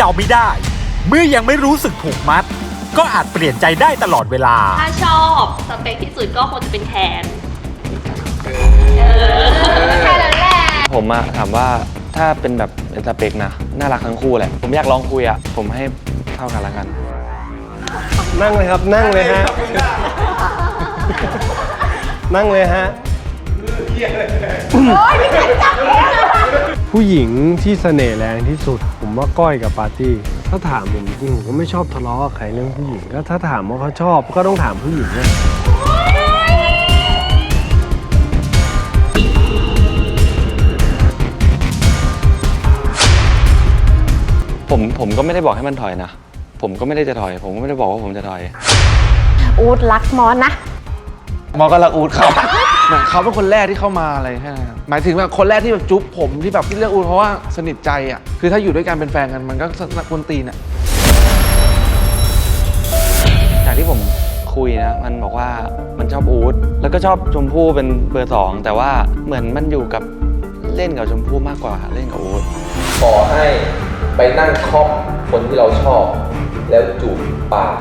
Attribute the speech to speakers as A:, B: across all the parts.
A: เดาไม่ได้ เมื่อยังไม่รู้สึกผูกมัด ก็อาจเปลี่ยนใจได้ตลอดเวลา
B: ถ้าชอบสเปคที่สุดก็คงจะเป็นแคนแค่นั้นแหละ
C: ผมอะถามว่าถ้าเป็นแบบเป็นสเปคนะน่ารักทั้งคู่แหละผมอยากลองคุยอะผมให้เท่ากันละกัน
D: นั่งเลยครับนั่งเลยฮะนั่งเลยฮะผู้หญิงที่เสน่ห์แรงที่สุด ผมว่าก้อยกับปาร์ตี้ถ้าถามผมจริงผมก็ไม่ชอบทะเลาะกับใครเรื่องผู้หญิงก็ถ้าถามว่าเขาชอบก็ต้องถามผู้หญิงนะ
C: ผมก็ไม่ได้บอกให้มันถอยนะผมก็ไม่ได้จะถอยผมก็ไม่ได้บอกว่าผมจะถอย
E: อูดรักมอสนะ
F: มอสก็รักอูดครับเหมือนเขาเป็นคนแรกที่เข้ามาอะไรแค่นั้นหมายถึงแบบคนแรกที่แบบจุ๊บผมที่แบบที่เลือกอูดเพราะว่าสนิทใจอ่ะคือถ้าอยู่ด้วยกันเป็นแฟนกันมันก็กวนตีนอ่ะ
C: จากที่ผมคุยนะมันบอกว่ามันชอบอูดแล้วก็ชอบชมพู่เป็นเบอร์2แต่ว่าเหมือนมันอยู่กับเล่นกับชมพู่มากกว่าเล่นกับอูด
G: ขอให้ไปนั่งคล่อมคนที่เราชอบแล้วจูบปาก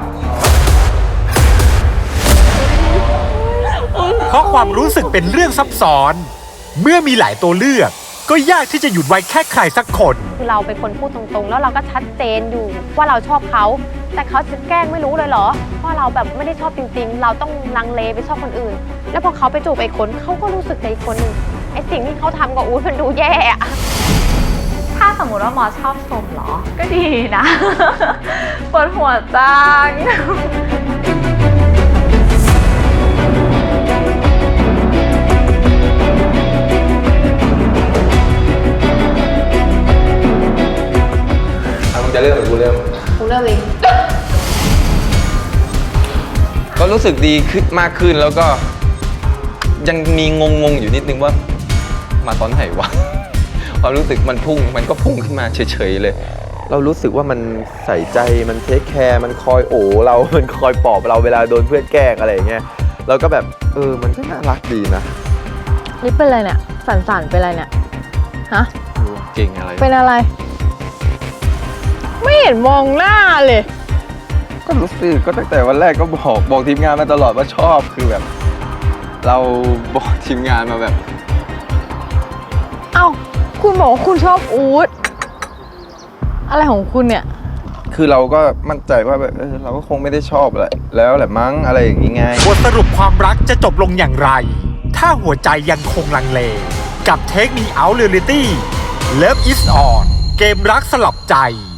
A: เพราะความรู้สึกเป็นเรื่องซับซ้อน เมื่อมีหลายตัวเลือกก็ยากที่จะหยุดไว้แค่ใครสักคน
E: คือเราเป็นคนพูดตรงๆแล้วเราก็ชัดเจนอยู่ว่าเราชอบเขาแต่เขาจะแกล้งไม่รู้เลยเหรอเพราะเราแบบไม่ได้ชอบจริงๆเราต้องลังเลไปชอบคนอื่นแล้วพอเขาไปจูบไอ้คนเขาก็รู้สึกในคนนึงไอ้สิ่งที่เขาทำกับอู๊ดมันดูแย่อะ
B: ถ้าสมมติว่ามอสชอบชมเหรอก็ดีนะปวดหัวจัง
G: จะเริ่มหรือกูเริ่ม
E: เอง
G: ก็รู้สึกดีขึ้นมากขึ้นแล้วก็ยังมีงงอยู่นิดนึงว่ามาตอนไหนวะความรู้สึกมันก็พุ่งขึ้นมาเฉยๆเลยเรารู้สึกว่ามันใส่ใจมันเทคแคร์มันคอยโอบเรามันคอยปลอบเราเวลาโดนเพื่อนแกล้งอะไรอย่างเงี้ยเราก็แบบมันก็น่ารักดีนะ
E: นี่เป็นอะไรเนี่ยสั่นๆเป็นอะไรเนี่ยฮะ
G: เก่งอะไร
E: เป็นอะไรไม่เห็นมองหน้าเลย
G: ก็รู้สึกก็ตั้งแต่วันแรกก็บอกทีมงานมาตลอดว่าชอบคือแบบเราบอกทีมงานมาแบบ
E: เอ้าคุณบอกว่าคุณชอบอู๊ดอะไรของคุณเนี่ย
G: คือเราก็มั่นใจว่าแบบเราก็คงไม่ได้ชอบแหละแล้วแหละมั้งอะไรอย่างงี้ไง
A: บทสรุปความรักจะจบลงอย่างไรถ้าหัวใจยังคงลังเลกับ Take Me Out Reality Love Is On เกมรักสลับใจ